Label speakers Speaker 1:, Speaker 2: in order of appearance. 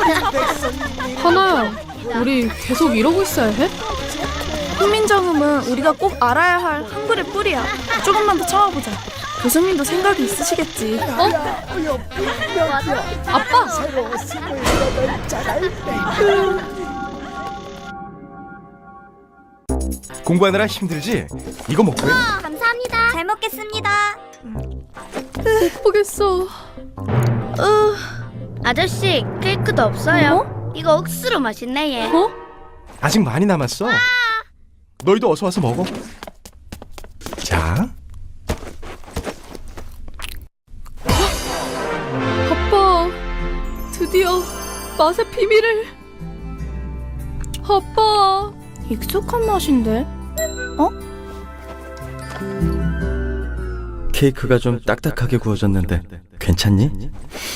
Speaker 1: 하나야, 우리 계속 이러고 있어야 해?
Speaker 2: 훈민정음은 우리가 꼭 알아야 할 한글의 뿌리야. 조금만 더 참아보자. 교수님도 생각이 있으시겠지.
Speaker 1: 아빠!
Speaker 3: 공부하느라 힘들지? 이거 먹고 해.
Speaker 4: 감사합니다. 잘 먹겠습니다.
Speaker 1: 못 보겠어.
Speaker 5: 아저씨, 케이크도 없어요? 이거 억수로 맛있네 얘.
Speaker 1: 어?
Speaker 3: 아직 많이 남았어. 너희도 어서 와서 먹어. 자,
Speaker 1: 아빠, 드디어 맛의 비밀을. 아빠.
Speaker 2: 익숙한 맛인데?
Speaker 6: 케이크가 좀 딱딱하게 구워졌는데 괜찮니?